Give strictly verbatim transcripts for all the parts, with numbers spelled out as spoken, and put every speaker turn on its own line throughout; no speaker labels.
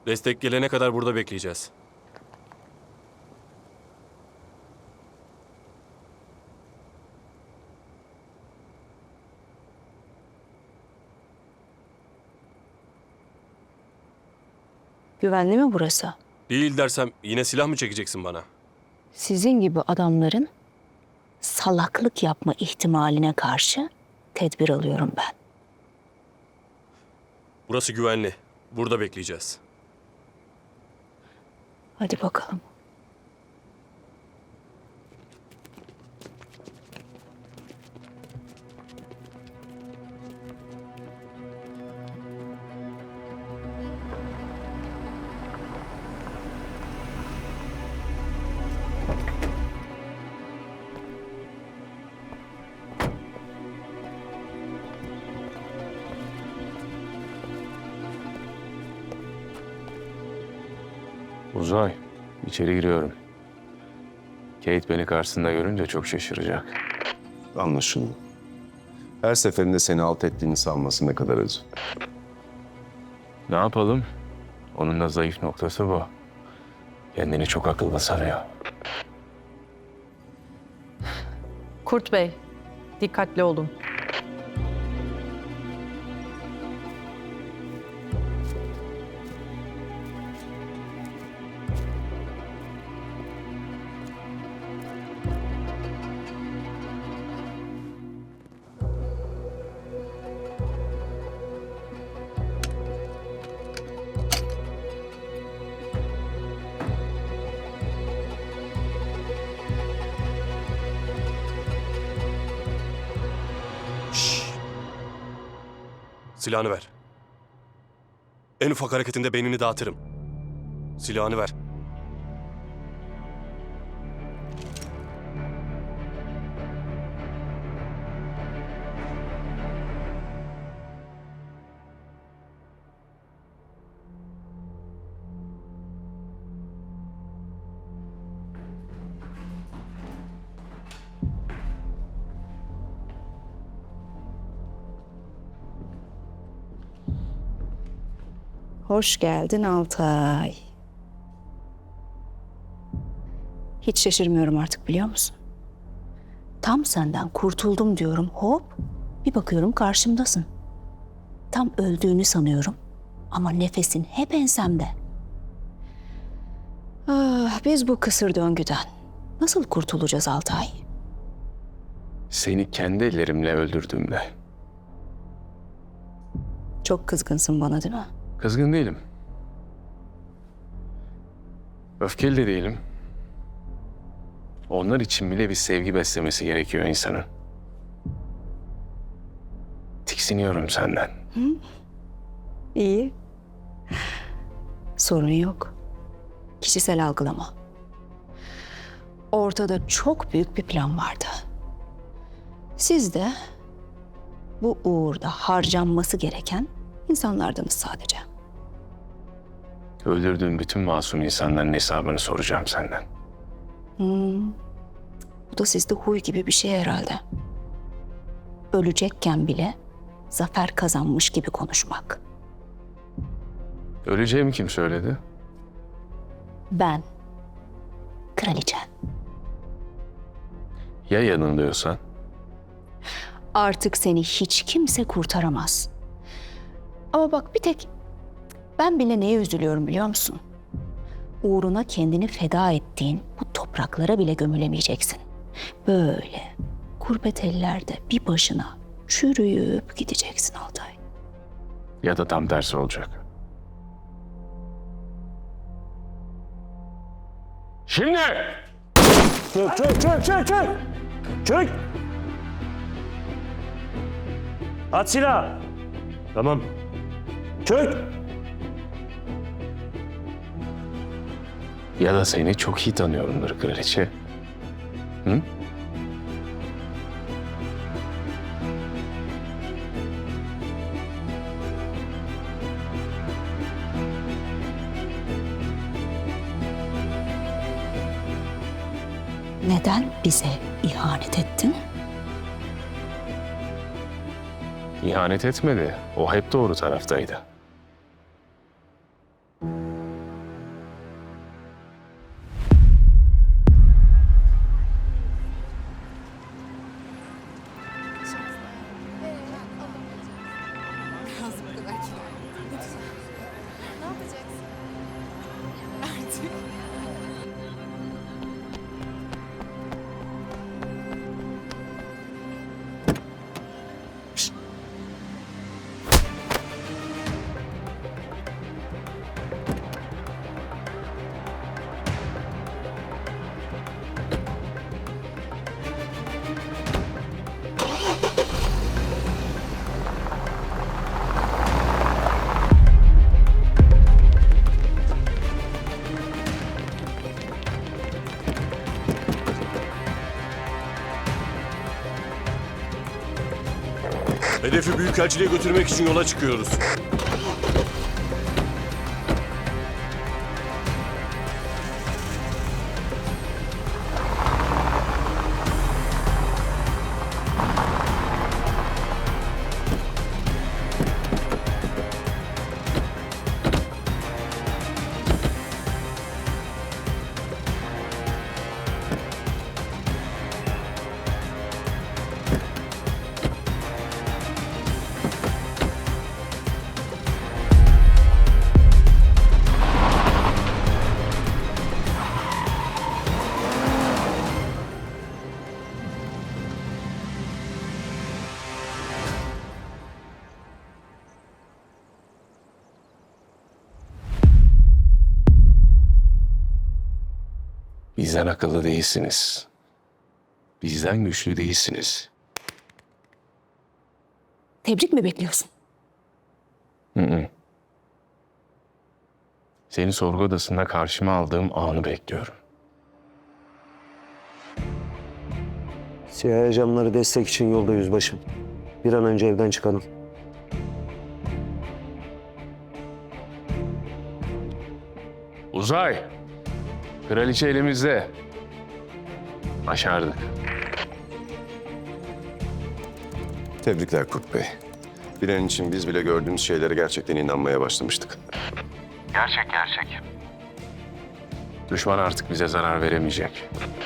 Destek gelene kadar burada bekleyeceğiz.
Güvenli mi burası?
Değil dersem yine silah mı çekeceksin bana?
Sizin gibi adamların salaklık yapma ihtimaline karşı tedbir alıyorum ben.
Burası güvenli. Burada bekleyeceğiz.
Hadi bakalım.
Uzay, içeri giriyorum. Kate beni karşısında görünce çok şaşıracak.
Anlaşıldı. Her seferinde seni alt ettiğini sanması ne kadar acı.
Ne yapalım? Onun da zayıf noktası bu. Kendini çok akıllı sanıyor.
Kurt Bey, dikkatli olun.
Silahını ver. En ufak hareketinde beynini dağıtırım. Silahını ver.
Hoş geldin Altay. Hiç şaşırmıyorum artık, biliyor musun? Tam senden kurtuldum diyorum, hop bir bakıyorum karşımdasın. Tam öldüğünü sanıyorum ama nefesin hep ensemde. Ah, biz bu kısır döngüden nasıl kurtulacağız Altay?
Seni kendi ellerimle öldürdüğümde.
Çok kızgınsın bana, değil mi?
Kızgın değilim. Öfkeli de değilim. Onlar için bile bir sevgi beslemesi gerekiyor insanın. Tiksiniyorum senden.
İyi. Sorun yok. Kişisel algılama. Ortada çok büyük bir plan vardı. Siz de bu uğurda harcanması gereken insanlardınız sadece.
Öldürdüğüm bütün masum insanların hesabını soracağım senden.
Bu da sizde huy gibi bir şey herhalde. Ölecekken bile zafer kazanmış gibi konuşmak.
Öleceğimi kim söyledi?
Ben, kraliçen.
Ya yanılıyorsan?
Artık seni hiç kimse kurtaramaz. Ama bak, bir tek ben bile neye üzülüyorum biliyor musun? Uğruna kendini feda ettiğin bu topraklara bile gömülemeyeceksin. Böyle gurbet ellerde bir başına çürüyüp gideceksin Altay.
Ya da tam tersi olacak. Şimdi!
Çök, çök, çök, çök, çök! Çök! At silahı! Tamam. Çök!
Ya da seni çok iyi tanıyorumdur kraliçe. Hı?
Neden bize ihanet ettin?
İhanet etmedi. O hep doğru taraftaydı.
Hedefi Büyükelçiliğe götürmek için yola çıkıyoruz.
Bizden akıllı değilsiniz. Bizden güçlü değilsiniz.
Tebrik mi bekliyorsun?
Hı hı. Seni sorgu odasında karşıma aldığım anı bekliyorum.
C I A ajanları destek için yolda yüzbaşım. Bir an önce evden çıkalım.
Uzay! Kraliçe elimizde. Başardık.
Tebrikler Kurt Bey. Bir an için biz bile gördüğümüz şeylere gerçekten inanmaya başlamıştık.
Gerçek gerçek. Düşman artık bize zarar veremeyecek.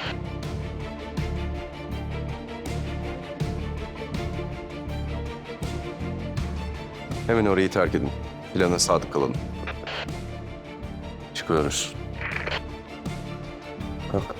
Hemen orayı terk edin. Plana sadık kalalım.
Çıkıyoruz.
Kalk.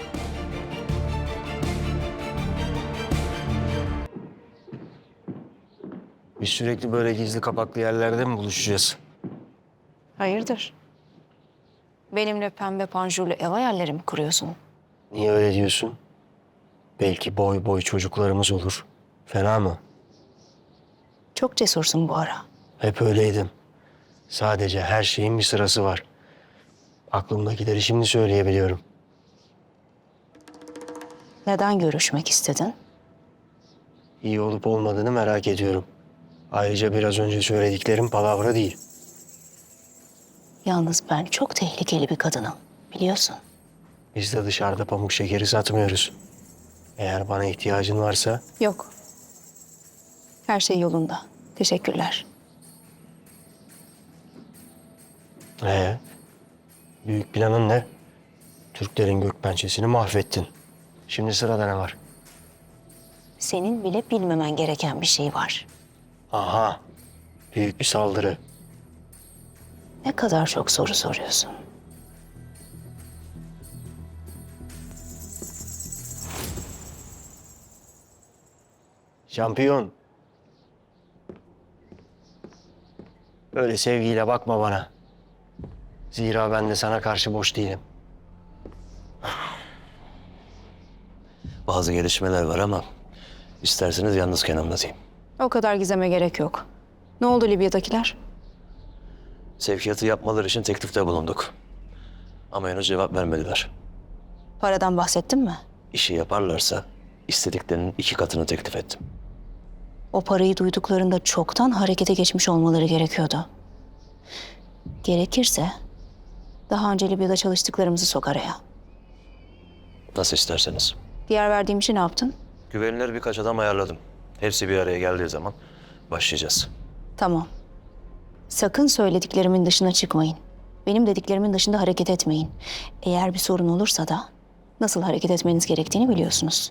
Biz sürekli böyle gizli kapaklı yerlerde mi buluşacağız?
Hayırdır? Benimle pembe panjurlu ev hayalleri mi kuruyorsun?
Niye öyle diyorsun? Belki boy boy çocuklarımız olur. Fena mı?
Çok cesursun bu ara.
Hep öyleydim. Sadece her şeyin bir sırası var. Aklımdakileri şimdi söyleyebiliyorum.
Neden görüşmek istedin?
İyi olup olmadığını merak ediyorum. Ayrıca biraz önce söylediklerim palavra değil.
Yalnız ben çok tehlikeli bir kadınım. Biliyorsun.
Biz de dışarıda pamuk şekeri satmıyoruz. Eğer bana ihtiyacın varsa
Yok. Her şey yolunda. Teşekkürler.
Ee, büyük planın ne? Türklerin gökpençesini mahvettin. Şimdi sırada ne var?
Senin bile bilmemen gereken bir şey var.
Aha, büyük bir saldırı.
Ne kadar çok soru soruyorsun.
Şampiyon. Öyle sevgiyle bakma bana. Zira ben de sana karşı boş değilim.
Bazı gelişmeler var ama isterseniz yalnızken anlatayım.
O kadar gizeme gerek yok. Ne oldu Libya'dakiler?
Sevkiyatı yapmaları için teklifte bulunduk. Ama henüz cevap vermediler.
Paradan bahsettin mi?
İşi yaparlarsa istediklerinin iki katını teklif ettim.
O parayı duyduklarında çoktan harekete geçmiş olmaları gerekiyordu. Gerekirse daha önce Libya'da çalıştıklarımızı sok araya.
Nasıl isterseniz.
Diğer verdiğim işi ne yaptın?
Güvenilir birkaç adam ayarladım. Hepsi bir araya geldiği zaman başlayacağız.
Tamam. Sakın söylediklerimin dışına çıkmayın. Benim dediklerimin dışında hareket etmeyin. Eğer bir sorun olursa da nasıl hareket etmeniz gerektiğini biliyorsunuz.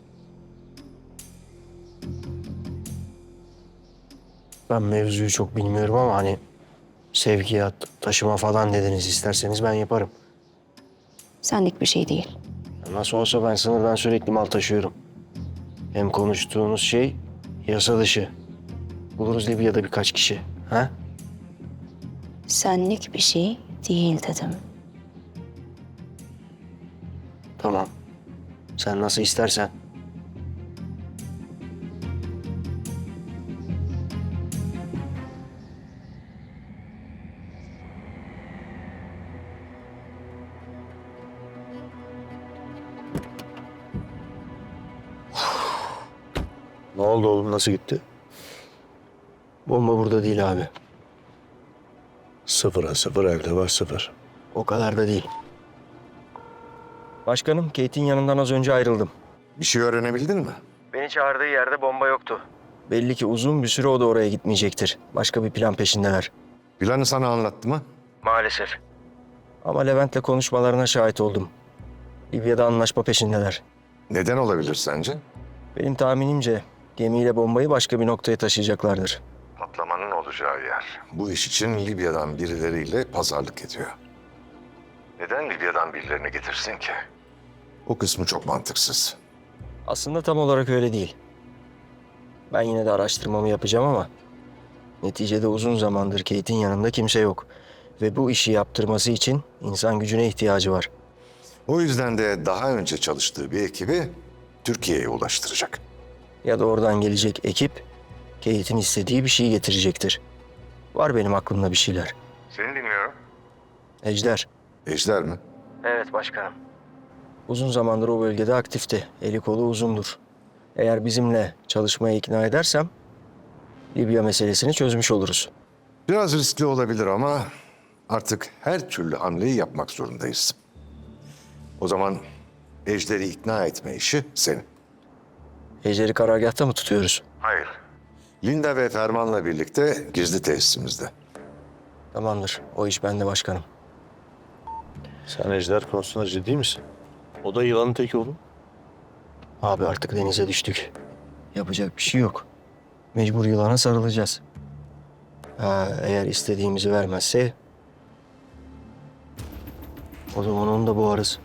Ben mevzuyu çok bilmiyorum ama hani sevkiyat, taşıma falan dediniz. İsterseniz ben yaparım.
Senlik bir şey değil.
Nasıl olsa ben sınırdan sürekli mal taşıyorum. Hem konuştuğunuz şey yasa dışı. Buluruz Libya'da birkaç kişi. Ha?
Senlik bir şey değil dedim.
Tamam. Sen nasıl istersen. Ne oldu oğlum? Nasıl gitti? Bomba burada değil abi.
Sıfıra sıfır elde var sıfır.
O kadar da değil. Başkanım, Kate'in yanından az önce ayrıldım.
Bir şey öğrenebildin mi?
Beni çağırdığı yerde bomba yoktu. Belli ki uzun bir süre o da oraya gitmeyecektir. Başka bir plan peşindeler.
Planı sana anlattı mı?
Maalesef. Ama Levent'le konuşmalarına şahit oldum. Libya'da anlaşma peşindeler.
Neden olabilir sence?
Benim tahminimce gemiyle bombayı başka bir noktaya taşıyacaklardır.
Patlamanın olacağı yer. Bu iş için Libya'dan birileriyle pazarlık ediyor. Neden Libya'dan birilerini getirsin ki? O kısmı çok mantıksız.
Aslında tam olarak öyle değil. Ben yine de araştırmamı yapacağım ama neticede uzun zamandır Kate'in yanında kimse yok. Ve bu işi yaptırması için insan gücüne ihtiyacı var.
O yüzden de daha önce çalıştığı bir ekibi Türkiye'ye ulaştıracak.
Ya da oradan gelecek ekip Kate'in istediği bir şeyi getirecektir. Var benim aklımda bir şeyler.
Seni dinliyorum.
Ejder.
Ejder mi?
Evet başkanım. Uzun zamandır o bölgede aktifti. Eli kolu uzundur. Eğer bizimle çalışmaya ikna edersem Libya meselesini çözmüş oluruz.
Biraz riskli olabilir ama artık her türlü hamleyi yapmak zorundayız. O zaman Ejder'i ikna etme işi senin.
Ejder'i karargâhta mı tutuyoruz?
Hayır. Linda ve Ferman'la birlikte gizli tesisimizde.
Tamamdır. O iş bende başkanım.
Sen Ejder konusunda ciddi misin? O da yılanın teki oğlum.
Abi artık denize düştük. Yapacak bir şey yok. Mecbur yılana sarılacağız. Ha, eğer istediğimizi vermezse o zaman onu da boğarız.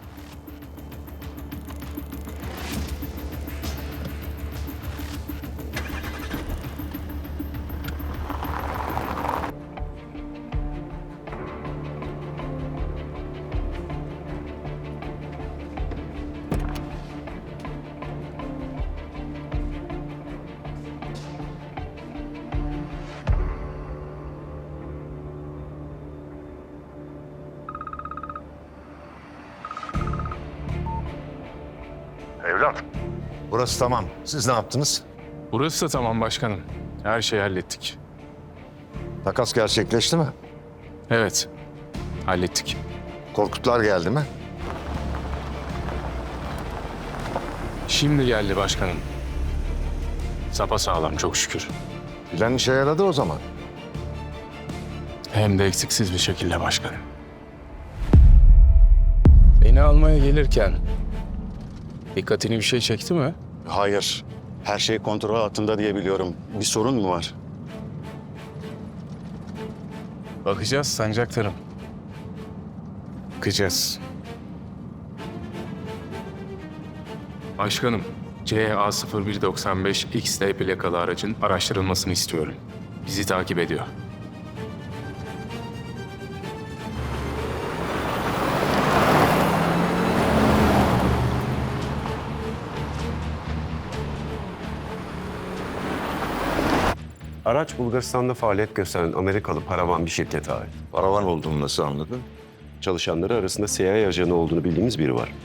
Evlat, burası tamam. Siz ne yaptınız?
Burası da tamam başkanım. Her şeyi hallettik.
Takas gerçekleşti mi?
Evet, hallettik.
Korkutlar geldi mi?
Şimdi geldi başkanım. Sapasağlam çok şükür.
Plan işe yaradı o zaman.
Hem de eksiksiz bir şekilde başkanım. Beni almaya gelirken dikkatini bir şey çekti mi?
Hayır. Her şey kontrol altında diye biliyorum. Bir sorun mu var?
Bakacağız sancaktarım. Bakacağız. Başkanım, C A sıfır bir doksan beş X D plakalı aracın araştırılmasını istiyorum. Bizi takip ediyor.
Araç Bulgaristan'da faaliyet gösteren Amerikalı paravan bir şirkete ait.
Paravan olduğunu nasıl anladın?
Çalışanları arasında C I A ajanı olduğunu bildiğimiz biri var.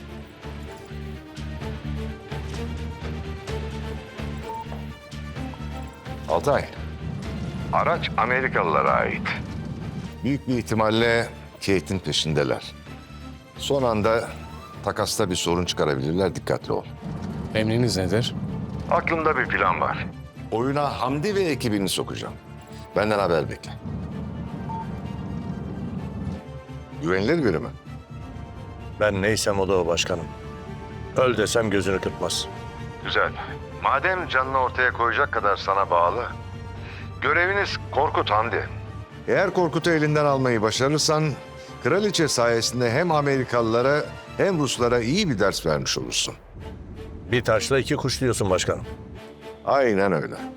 Altay. Araç Amerikalılara ait. Büyük bir ihtimalle Kate'in peşindeler. Son anda takasta bir sorun çıkarabilirler, dikkatli ol.
Emriniz nedir?
Aklımda bir plan var. Oyuna Hamdi ve ekibini sokacağım. Benden haber bekle. Güvenilir biri mi?
Ben neysem o da o başkanım. Öl desem gözünü kırpmaz.
Güzel. Madem canını ortaya koyacak kadar sana bağlı, göreviniz Korkut Hamdi. Eğer Korkut'u elinden almayı başarırsan, kraliçe sayesinde hem Amerikalılara hem Ruslara iyi bir ders vermiş olursun.
Bir taşla iki kuş diyorsun başkanım.
Aynen öyle.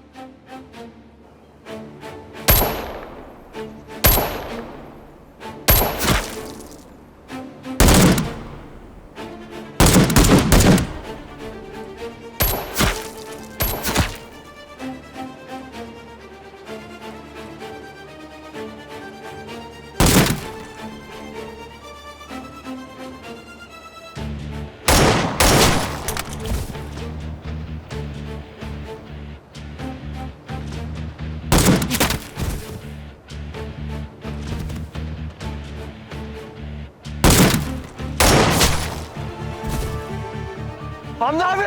Hamdi abi!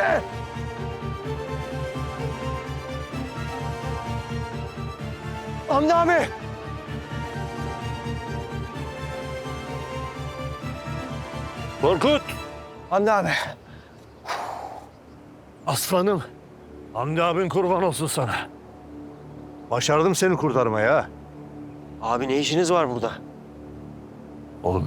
Hamdi abi!
Korkut!
Hamdi abi!
Aslanım. Hamdi abin kurban olsun sana. Başardım seni kurtarmaya ha.
Abi ne işiniz var burada?
Oğlum.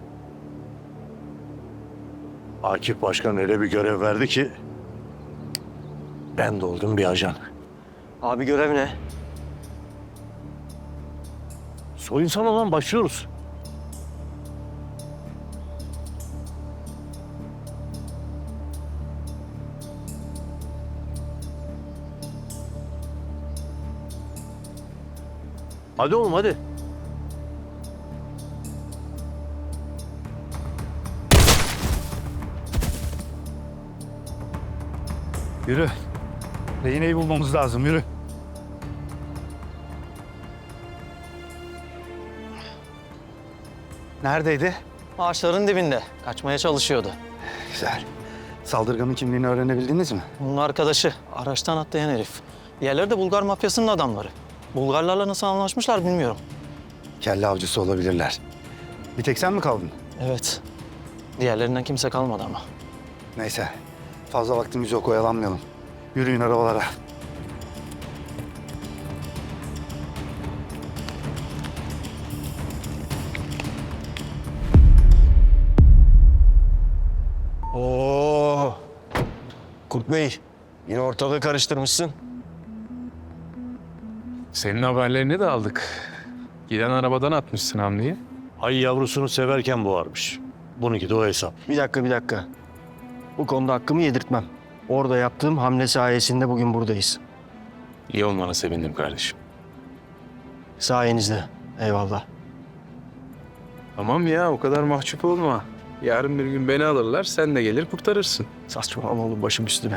Akif Başkan öyle bir görev verdi ki... ben de oldum bir ajan.
Abi görev ne?
Soyunsan olan başlıyoruz. Hadi oğlum hadi.
Yürü. Rehineyi bulmamız lazım, yürü. Neredeydi?
Ağaçların dibinde. Kaçmaya çalışıyordu.
Güzel. Saldırganın kimliğini öğrenebildiniz mi?
Bunun arkadaşı. Araçtan atlayan herif. Diğerleri de Bulgar mafyasının adamları. Bulgarlarla nasıl anlaşmışlar bilmiyorum.
Kelle avcısı olabilirler. Bir tek sen mi kaldın?
Evet. Diğerlerinden kimse kalmadı ama.
Neyse. Fazla vaktimiz yok, oyalanmayalım. Yürüyün arabalara.
Oo. Kurt Bey, yine ortalığı karıştırmışsın.
Senin haberlerini de aldık. Giden arabadan atmışsın Hamdi'yi.
Ay yavrusunu severken boğarmış. Bununki de o hesap.
Bir dakika, bir dakika. Bu konuda hakkımı yedirtmem. Orada yaptığım hamle sayesinde bugün buradayız.
İyi olmana sevindim kardeşim.
Sayenizde. Eyvallah.
Tamam ya, o kadar mahcup olma. Yarın bir gün beni alırlar, sen de gelir kurtarırsın.
Saçmalama oğlum, başım üstüne.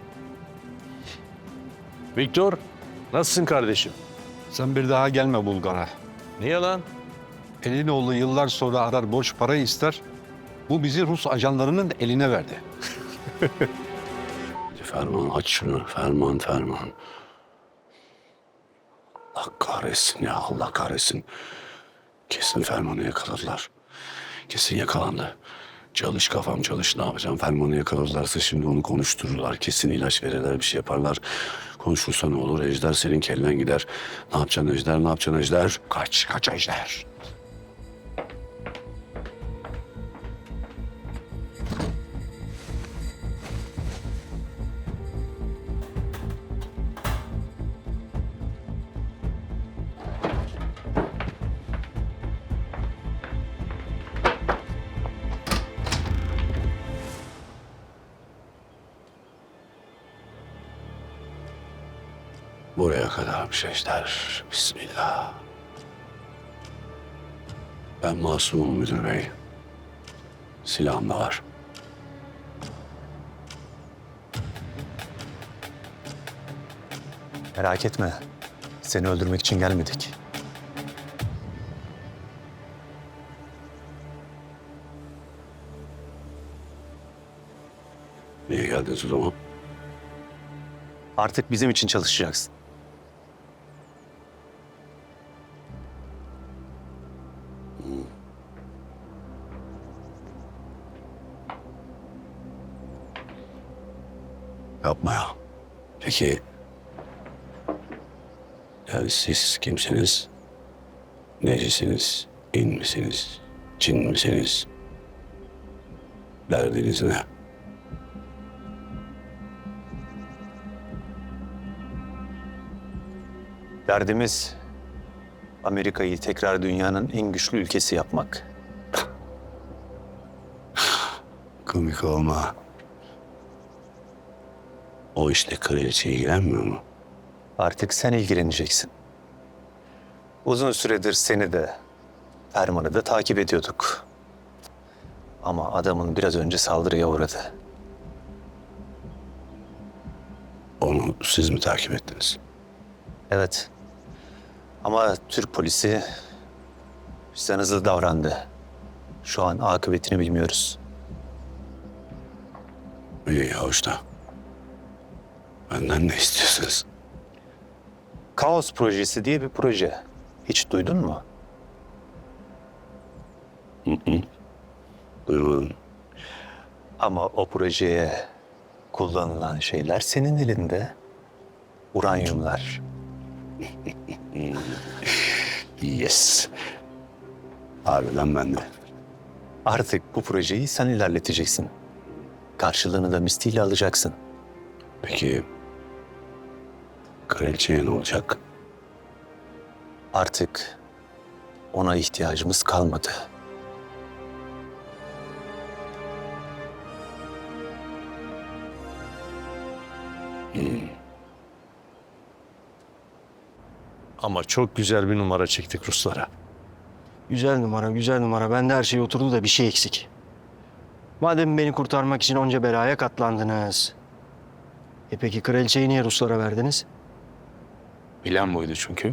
Viktor, nasılsın kardeşim?
Sen bir daha gelme Bulgar'a.
Niye lan?
Elinoğlu yıllar sonra arar borç para ister. Bu bizi Rus ajanlarının eline verdi.
Ferman aç şunu. Ferman, Ferman. Allah kahretsin ya, Allah kahretsin. Kesin Ferman'ı yakaladılar. Kesin yakalandı. Çalış kafam çalış, ne yapacağım? Ferman'ı yakaladılarsa şimdi onu konuştururlar. Kesin ilaç verirler, bir şey yaparlar. Konuşursa ne olur? Ejder senin kellen gider. Ne yapacaksın Ejder, ne yapacaksın Ejder? Kaç, kaç Ejder. Buraya kadarmış Ejder. Bismillah. Ben masumum müdür bey. Silahım da var.
Merak etme. Seni öldürmek için gelmedik.
Niye geldiniz o zaman?
Artık bizim için çalışacaksın.
Yapma ya. Peki... Yani siz kimsiniz? Necisiniz? İn misiniz? Cin misiniz? Derdiniz ne?
Derdimiz Amerika'yı tekrar dünyanın en güçlü ülkesi yapmak.
Komik olma. O işle kraliçe ilgilenmiyor mu?
Artık sen ilgileneceksin. Uzun süredir seni de, Ferman'ı da takip ediyorduk. Ama adamın biraz önce saldırıya uğradı.
Onu siz mi takip ettiniz?
Evet. Ama Türk polisi bizden hızlı davrandı. Şu an akıbetini bilmiyoruz.
İyi ya usta. Benden ne istiyorsunuz?
Kaos projesi diye bir proje. Hiç duydun mu?
Duymadım.
Ama o projeye kullanılan şeyler senin elinde. Uranyumlar.
Yes. Harbiden ben de.
Artık bu projeyi sen ilerleteceksin. Karşılığını da misliyle alacaksın.
Peki kraliçeye ne olacak?
Artık ona ihtiyacımız kalmadı.
Ama çok güzel bir numara çektik Ruslara.
Güzel numara, güzel numara. Bende her şey oturdu da bir şey eksik. Madem beni kurtarmak için onca belaya katlandınız. E peki kraliçeyi niye Ruslara verdiniz?
Plan buydu çünkü.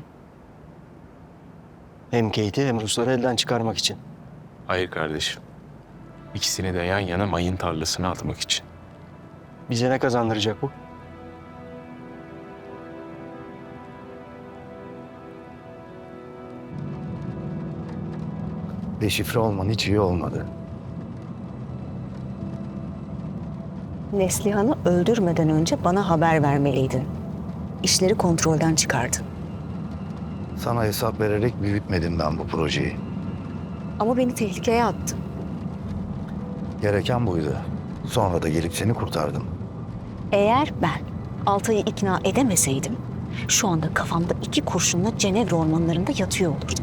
Hem Kate'i hem Rusları elden çıkarmak için.
Hayır kardeşim. İkisini de yan yana mayın tarlasına atmak için.
Bize ne kazandıracak bu?
Deşifre olman hiç iyi olmadı.
Neslihan'ı öldürmeden önce bana haber vermeliydin. İşleri kontrolden çıkardın.
Sana hesap vererek büyütmedim ben bu projeyi.
Ama beni tehlikeye attın.
Gereken buydu. Sonra da gelip seni kurtardım.
Eğer ben Altay'ı ikna edemeseydim, şu anda kafamda iki kurşunla Cenevre ormanlarında yatıyor olurdum.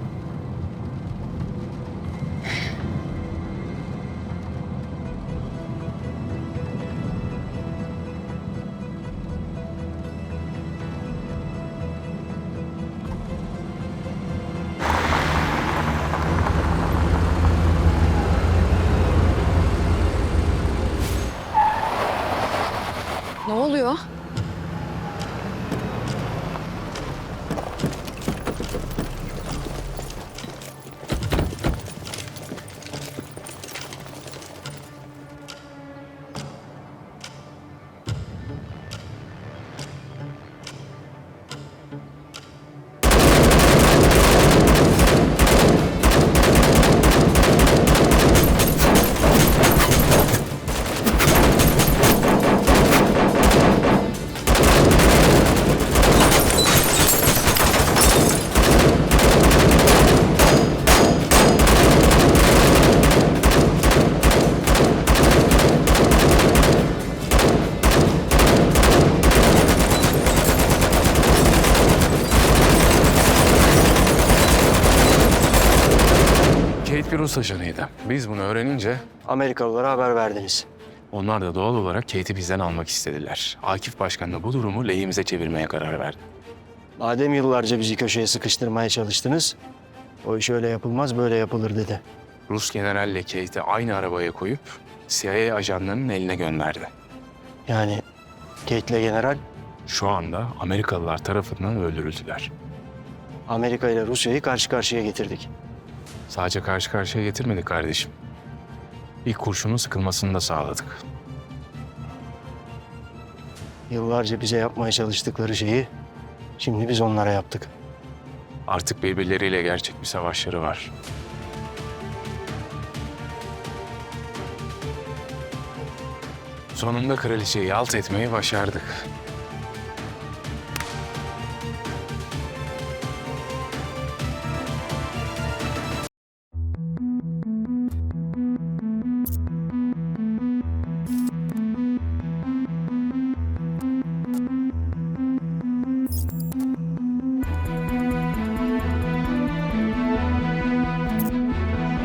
Ne oluyor?
Kate bir Rus ajanıydı. Biz bunu öğrenince
Amerikalılara haber verdiniz.
onlar da doğal olarak Kate'i bizden almak istediler. Akif Başkan da bu durumu lehimize çevirmeye karar verdi.
Madem yıllarca bizi köşeye sıkıştırmaya çalıştınız, o iş öyle yapılmaz böyle yapılır dedi.
Rus generalle Kate'i aynı arabaya koyup C I A ajanlarının eline gönderdi.
Yani Kate'le general
Şu anda Amerikalılar tarafından öldürüldüler.
Amerika ile Rusya'yı karşı karşıya getirdik.
Sadece karşı karşıya getirmedik kardeşim. İlk kurşunun sıkılmasını da sağladık.
Yıllarca bize yapmaya çalıştıkları şeyi şimdi biz onlara yaptık.
Artık birbirleriyle gerçek bir savaşları var. Sonunda kraliçeyi alt etmeyi başardık.